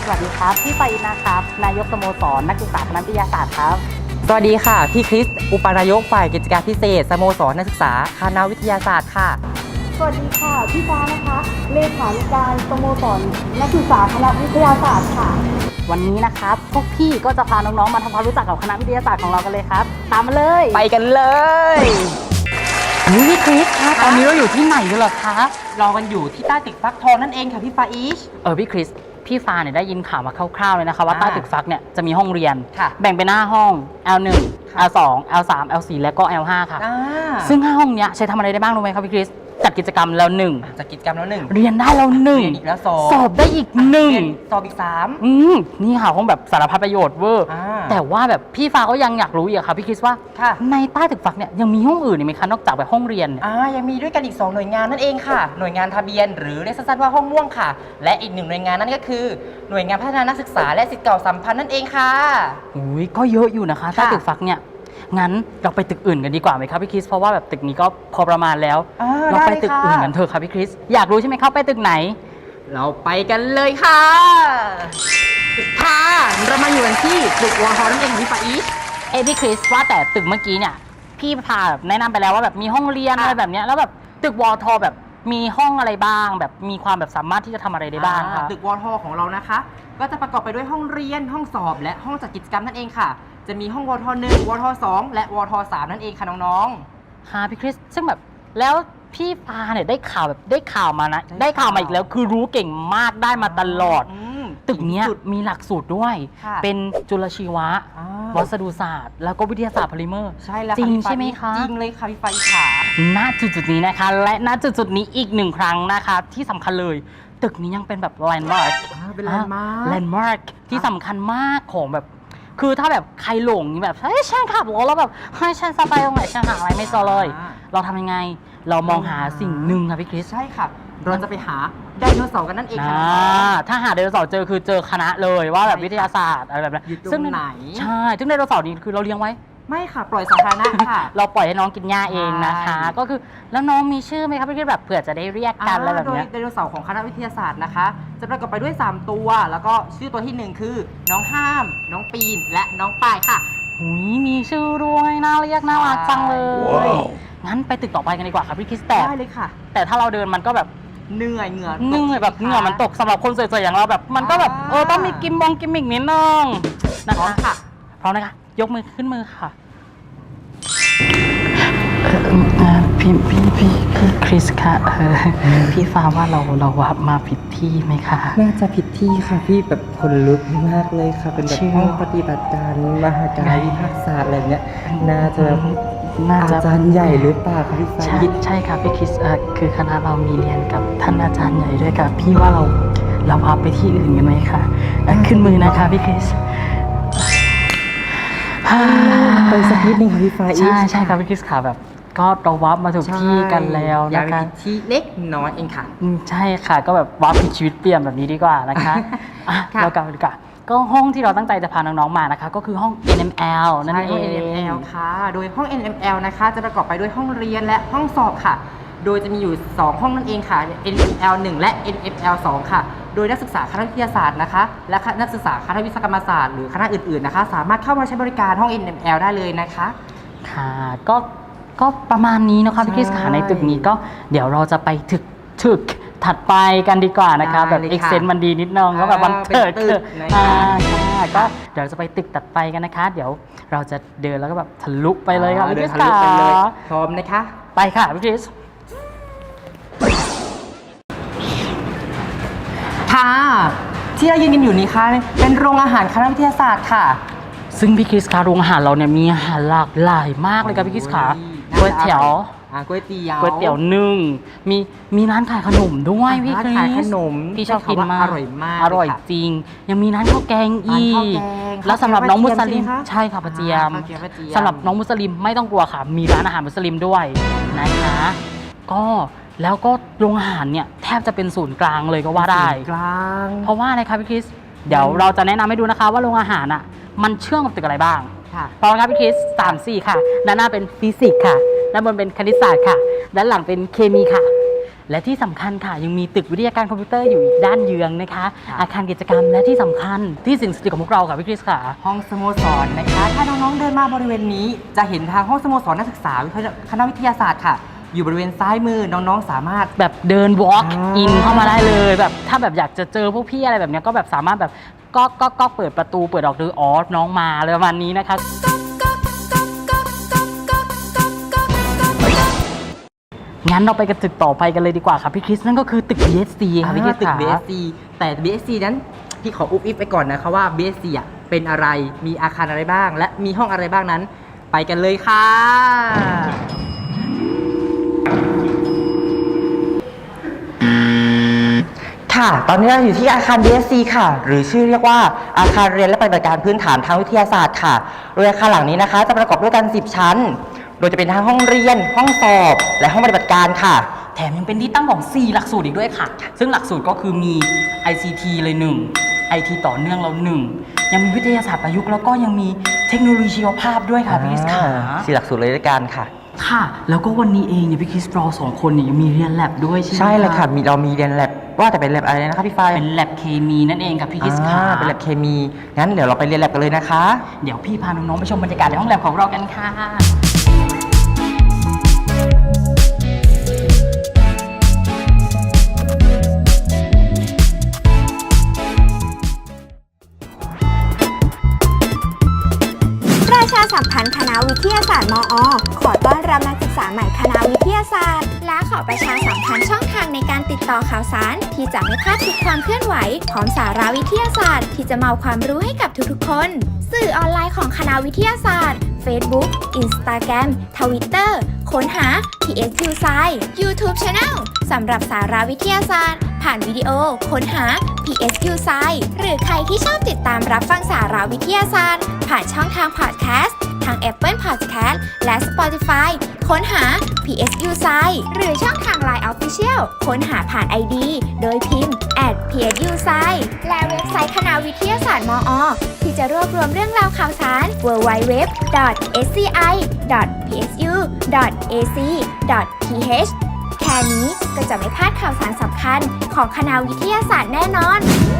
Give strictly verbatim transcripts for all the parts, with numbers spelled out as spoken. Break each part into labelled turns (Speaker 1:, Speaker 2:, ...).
Speaker 1: สวัสดีครับพี่ไปนะครับนายกสโมสรนักศึกษาคณะวิทยาศาสตร์ครับ
Speaker 2: สวัสดีค่ะพี่คริสอุปนายกฝ่ายกิจการพิเศษสโมสรนักศึกษาคณะวิทยาศาสตร์ค่ะ
Speaker 3: สวัสดีค่ะพี่ฟ้านะคะเลขาธิการสโมสรนักศึกษาคณะวิทยาศาสตร์ค่ะ
Speaker 1: วันนี้นะครับพวกพี่ก็จะพาน้องๆมาทำความรู้จักกับคณะวิทยาศาสตร์ของเรากันเลยครับตามมาเลย
Speaker 2: ไปกันเลย
Speaker 1: นี่พี่คริสคะตอนนี้เราอยู่ที่ไหนกันเหรอคะ
Speaker 2: เรากันอยู่ที่ใต้ตึกฟักทองนั่นเองค่ะพี่ฟาอิช
Speaker 1: เออพี่คริสพี่ฟ้าเนี่ยได้ยินข่าวมาคร่าวๆเลยนะคะว่าใต้ตึกฟักเนี่ยจะมีห้องเรียนแบ่งเป็นห้าห้อง แอล หนึ่ง แอล สอง แอล สาม แอล สี่ และก็ แอล ห้า ค่ะซึ่งห้าห้องเนี้ยใช้ทำอะไรได้บ้างรู้ไหมครับพี่คริสจัดกิจกรรมแล้วหนึ่ง
Speaker 2: จัดกิจกรรมแล้วหนึ่ง
Speaker 1: เรียนได้แล้วหนึ่ง
Speaker 2: เรียนอีกแล้วสอง
Speaker 1: สอบได้อีกหนึ่ง
Speaker 2: สอบอีกสาม
Speaker 1: อืมนี่ค่ะห้องแบบสารพัดประโยชน์เวอร์แต่ว่าแบบพี่ฟ้าก็ยังอยากรู้อีกค่ะพี่คริสว่าในใต้ตึกฟักเนี่ยยังมีห้องอื่นอีกไหมคะนอกจากแบบห้องเรียน
Speaker 2: อ่ายังมีด้วยกันอีกสองหน่วยงานนั่นเองค่ะหน่วยงานทะเบียนหรือเรียกสั้นๆว่าห้องม่วงค่ะและอีกหนึ่งหน่วยงานนั่นก็คือหน่วยงานพัฒนานักศึกษาและศิษย์เก่าสัมพันธ์นั่นเองค่ะ
Speaker 1: อุ้ยก็เยอะอยู่นะคะใต้ตึกฟักเนี่ยงั้นเราไปตึกอื่นกันดีกว่าไหมครับพี่คริสเพราะว่าแบบตึกนี้ก็พอประมาณแล้วเราไปตึกอื่นกันเถอะครับพี่คริสอยากรู้ใช่ไหมครับไปตึกไหน
Speaker 2: เราไปกันเลยค่ะค่ะเรามาอยู่กันที่ตึกวอทนั่นเองพี่ฟาอิช
Speaker 1: เอ้พี่คริสว่าแต่ตึกเมื่อกี้เนี่ยพี่พาแบบแนะนำไปแล้วว่าแบบมีห้องเรียนอะไรแบบนี้แล้วแบบตึกวอทแบบมีห้องอะไรบ้างแบบมีความแบบสามารถที่จะทำอะไรได้บ้างคะ
Speaker 2: ตึกวอทของเรานะคะก็จะประกอบไปด้วยห้องเรียนห้องสอบและห้องจัดกิจกรรมนั่นเองค่ะจะมีห้องวทหนึ่งวทสองและวทสามนั่นเองค่ะน้อง
Speaker 1: ๆค่ะพี่คริสซึ่งแบบแล้วพี่พาเนี่ยได้ข่าวแบบได้ข่าวมานะได้ข่าวมาอีกแล้วคือรู้เก่งมากได้มาตลอดตึกนี้มีหลักสูตรด้วยเป็นจุลชีวะวัสดุศาสตร์แล้วก็วิทยาศาสตร์โพลิเมอร์
Speaker 2: ใช่แล้ว
Speaker 1: จริงใช่ไหมคะ
Speaker 2: จริงเลยค่ะพี่ไฟค่ะ
Speaker 1: ณจุดๆนี้นะคะและณจุดๆนี้อีกหนึ่งครั้งนะคะที่สำคัญเลยตึกนี้ยังเป็นแบบแลนด์มาร์ค
Speaker 2: เป็นแลนด์มาร์ค
Speaker 1: แลนด์มาร์คที่สำคัญมากของแบบคือถ้าแบบใครหลงแบบเฮ้ยฉันขับรถแล้วแบบเฮ้ยฉันจะไปตรงไหนฉันหาอะไรไม่เจอเลยเราทำยังไงเรามองหาสิ่งหนึ่งค่ะพี่คริส
Speaker 2: ใช่ค่ะเราจะไปหาไดโนเสาร์กันนั่นเองค่ะ
Speaker 1: ถ้าหาไดโนเสาร์เจอคือเจอคณะเลยว่าแบบวิทยาศาสตร์อะไรแบบนั้น
Speaker 2: ซึ่งไหน
Speaker 1: ใช่ซึ่งไดโนเสาร์นี้คือเราเลี้ยงไว้
Speaker 2: ไม่ค่ะปล่อยสาธารณะค่ะ
Speaker 1: เราปล่อยให้น้องกินหญ้าเองนะคะก็คือแล้วน้องมีชื่อไหมครับพี่คริสแบบเผื่อจะได้เรียกกันอะไรแบบนี้
Speaker 2: โดยไดโนเสาร์ของคณะวิทยาศาสตร์นะคะจะประกอบไปด้วยสามตัวแล้วก็ชื่อตัวที่หนึ่งคือน้องห้ามน้องปีนและน้องปายค่ะ
Speaker 1: หุยมีชื่อด้วยน่าเรียกน่ารักจังเลยงั้นไปตึกต่อไปกันดีกว่าครับพี่คริสแต่
Speaker 2: ได้เลยค่ะ
Speaker 1: แต่ถ้าเราเดินมันก็แบบ
Speaker 2: เหนื่อยเหงื่อ
Speaker 1: เหนื่อยแบบเหงื่อมันตกสำหรับคนสวยๆอย่างเราแบบมันก็แบบเออต้องมีกิมบองกิมมิกนิดนึงนะคะพร้อมนะคะยกมือขึ้นมือค่ะพี่พี่พี่พี่คริสค่ะพี่ฟ้าว่าเราเราว่ามาผิดที่ไหมคะ
Speaker 2: น่าจะผิดที่ค่ะพี่แบบคนลุกมากเลยค่ะเป็นแบบห้องปฏิบัติการมหาการวิภาคศาสตร์อะไรเนี้ยน่าจะอาจารย์ใหญ่หรือเปล่าคะพี่ฟ้า
Speaker 1: ใช่ใช่ค่ะพี่คริสคือคณะเรามีเรียนกับท่านอาจารย์ใหญ่ด้วยค่ะพี่ว่าเราเราพาไปที่อื่นกันไหมคะขึ้นมือนะคะพี่คริส
Speaker 2: ไปสักนิดนึงค่ะพี่ฟ้า
Speaker 1: ใช่ใช่ครับพี่คริสค่ะแบบก็เราวับมาถูกที่กันแล้วนะคะ
Speaker 2: ที่เล็กน้อยเองค่ะ
Speaker 1: ใช่ค่ะก็แบบวับชีวิตเปลี่ยนแบบนี้ดีกว่านะคะเรากลับดีกว่าก็ห้องที่เราตั้งใจจะพาน้องๆมานะคะก็คือห้อง เอ็น เอ็ม แอล นั่นเอง
Speaker 2: เอ็น เอ็ม แอล ค่ะโดยห้อง เอ็น เอ็ม แอล นะคะจะประกอบไปด้วยห้องเรียนและห้องสอบค่ะโดยจะมีอยู่สองห้องนั่นเองค่ะ เอ็น เอ็ม แอล หนึ่ง และ เอ็น เอ็ม แอล สอง ค่ะโดยนักศึกษาคณะวิทยาศาสตร์นะคะและนักศึกษาคณะวิศวกรรมศาสตร์หรือคณะอื่นๆนะคะสามารถเข้ามาใช้บริการห้อง เอ็น เอ็ม แอล ได้เลยนะคะ
Speaker 1: ค่ะก็ก็ประมาณนี้นะคะพี่คริสค่ะในตึกนี้ก็เดี๋ยวเราจะไปถึกถึกถัดไปกันดีกว่านะคะแบบเอ็กเซนต์มันดีนิดนึงก็แบบมันเถิดคืออ่าค่ะก็เดี๋ยวจะไปตึกถัดไปกันนะคะเดี๋ยวเราจะเดินแล้วก็แบบทะลุไปเลยค่ะพี่คริสค่ะ
Speaker 2: พร้อมนะคะ
Speaker 1: ไปค่ะพี่คริส
Speaker 2: ค่ะที่เรายืนกันอยู่นี้ค่ะเป็นโรงอาหารคณะวิทยาศาสตร์ค่ะ
Speaker 1: ซึ่งพี่คริสคะโรงอาหารเราเนี่ยมีอาหารหลากหลายมากเลยครับพี่คริสค่ะก๋วยเตี๋ยว
Speaker 2: ก๋วยเตี๋ยว
Speaker 1: ก๋วยเตี๋ยวนึ่งมีมีร้านขายขนมด้วยพี่คริส
Speaker 2: ขายขนม
Speaker 1: พี่ชอบกินมาก
Speaker 2: อร่อยมาก
Speaker 1: อร่อยจริงยังมีร้านข้าวแกงอีกแล้วสำหรับน้องมุสลิมใช่ค่ะปะเจียมสำหรับน้องมุสลิมไม่ต้องกลัวค่ะมีร้านอาหารมุสลิมด้วยนะคะก็แล้วก็โรงอาหารเนี่ยแทบจะเป็นศูนย์กลางเลยก็ว่าได้
Speaker 2: กลาง
Speaker 1: เพราะว่าอะไรครับพี่คริสเดี๋ยวเราจะแนะนำให้ดูนะคะว่าโรงอาหารอ่ะมันเชื่อมกับตึกอะไรบ้างพร้อมครับพี่คริสสามสี่ค่ะด้านหน้าเป็นฟิสิกส์ค่ะด้านบนเป็นคณิตศาสตร์ค่ะด้านหลังเป็นเคมีค่ะและที่สำคัญค่ะยังมีตึกวิทยาการคอมพิวเตอร์อยู่อีกด้านเยืองนะคะ อาคารกิจกรรมและที่สำคัญที่สิ่งศักดิ์สิทธิ์ของพวกเราค่ะพี่คริสค่ะ
Speaker 2: ห้องสโมสรนะคะ ถ้าน้องๆเดินมาบริเวณนี้จะเห็นทางห้องสโมสรนักศึกษาคณะวิทยาศาสตร์ค่ะ อยู่บริเวณซ้ายมือน้องๆสามารถ
Speaker 1: แบบเดิน walk
Speaker 2: อ่า
Speaker 1: in เข้ามาได้เลยแบบถ้าแบบอยากจะเจอพวกพี่อะไรแบบเนี้ยก็แบบสามารถแบบก็ก็ก็เปิดประตูเปิดออกดูอ๋อน้องมาเลยประมาณนี้นะคะงั้นเราไปกันตึกต่อไปกันเลยดีกว่าครับพี่คริสนั่นก็คือตึก บี เอส ซี ค่ะพี่คริส
Speaker 2: ตึก
Speaker 1: ค่ะ
Speaker 2: บี เอส ซี แต่ บี เอส ซี นั้นพี่ขออุบอิบไปก่อนนะคะว่า บี เอส ซี อ่ะเป็นอะไรมีอาคารอะไรบ้าง และมีห้องอะไรบ้างนั้น ไปกันเลยค่ะ ค่ะ ตอนนี้เราอยู่ที่อาคาร บี เอส ซี ค่ะ หรือชื่อเรียกว่าอาคารเรียนและปฏิบัติการพื้นฐานทางวิทยาศาสตร์ค่ะ โดยอาคารหลังนี้นะคะ จะประกอบด้วยกันสิบชั้น โดยจะเป็นทั้งห้องเรียน ห้องสอบ และห้องปฏิบัติการค่ะ
Speaker 1: แถมยังเป็นที่ตั้งของ สี่ หลักสูตรอีกด้วยค่ะ ซึ่งหลักสูตรก็คือมี ไอ ซี ที เลยหนึ่ง ไอ ที ต่อเนื่องเราหนึ่งยังมีวิทยาศาสตร์ประยุกต์แล้วก็ยังมีเทคโนโลยีชีวภาพด้วยค่ะพี่คริสค่ะ
Speaker 2: สี่หลักสูตรเลยด้วยกันค่ะ
Speaker 1: ค่ะ แล้วก็วันนี้เองเนี่ยพี่คริสเราสองคนเนี่ยยังมีเรียนแลบด้วยใช่ไหม
Speaker 2: ใช่เลยค่ะมีเรามีเรียนแลบว่าแต่เป็นแลบอะไรนะคะพี่ฝ้าย
Speaker 1: เป็นแลบเคมีนั่นเองกับพี่คริสค่ะ
Speaker 2: อ่าเป็นแลบเคมี งั้นเดี๋ยวเราไปเรียนแลบกันเลยนะคะ
Speaker 1: เดี๋ยวพี่พาน้องๆไปชมบรรยากาศในห้องแลบของเรากันค่ะ
Speaker 4: ประชาสัมพันธ์คณะวิทยาศาสตร์มอ ขอต้อนรับนักศึกษาใหม่คณะวิทยาศาสตร์ และขอประชาสัมพันธ์ช่องทางในการติดต่อข่าวสาร ที่จะไม่พลาดทุกความเคลื่อนไหวของสาระวิทยาศาสตร์ ที่จะมาเอาความรู้ให้กับทุกๆคน สื่อออนไลน์ของคณะวิทยาศาสตร์ Facebook Instagram Twitter ค้นหา พี เอส ยู Science YouTube Channel สำหรับสาระวิทยาศาสตร์ ผ่านวิดีโอค้นหา พี เอส ยู Science หรือใครที่ชอบติดตามรับฟังสาระวิทยาศาสตร์ ผ่านช่องทางพอดแคสต์ทาง Apple Podcast และ Spotify ค้นหา พี เอส ยู Science หรือช่องทาง ไลน์ Official ค้นหาผ่าน ไอ ดี โดยพิมพ์ แอท พี เอส ยู Science และเว็บไซต์คณะวิทยาศาสตร์มอ ที่จะรวบรวมเรื่องราวข่าวสาร ดับเบิลยู ดับเบิลยู ดับเบิลยู ดอท เอส ซี ไอ ดอท พี เอส ยู ดอท เอ ซี ดอท ที เอช แค่นี้ก็จะไม่พลาดข่าวสารสำคัญของคณะวิทยาศาสตร์แน่นอน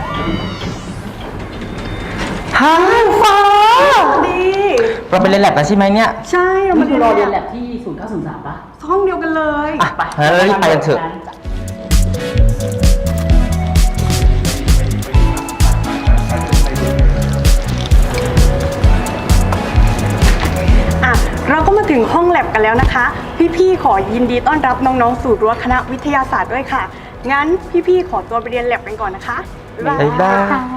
Speaker 2: ฮ่าฟ้า
Speaker 3: ดี
Speaker 2: เราไปเรียนแลบกันใช่ไหมเนี่ย
Speaker 3: ใช่เรามา
Speaker 1: นี่
Speaker 3: เรี
Speaker 1: คื
Speaker 3: ย
Speaker 1: อน รอเรียน
Speaker 3: แล
Speaker 1: แลบที่ศูนย์เก้าศูนย์สามปะ
Speaker 3: ห้องเดียวกันเลย
Speaker 2: อ่ะงั้นเรารีบไปกันเถอะ
Speaker 3: อ่ะเราก็มาถึงห้องแลบกันแล้วนะคะ พี่ๆขอยินดีต้อนรับน้องๆสู่รั้วคณะวิทยาศาสตร์ด้วยค่ะ งั้นพี่ๆขอตัวไปเรียนแลบกันก่อนนะคะ
Speaker 2: บ๊ายบาย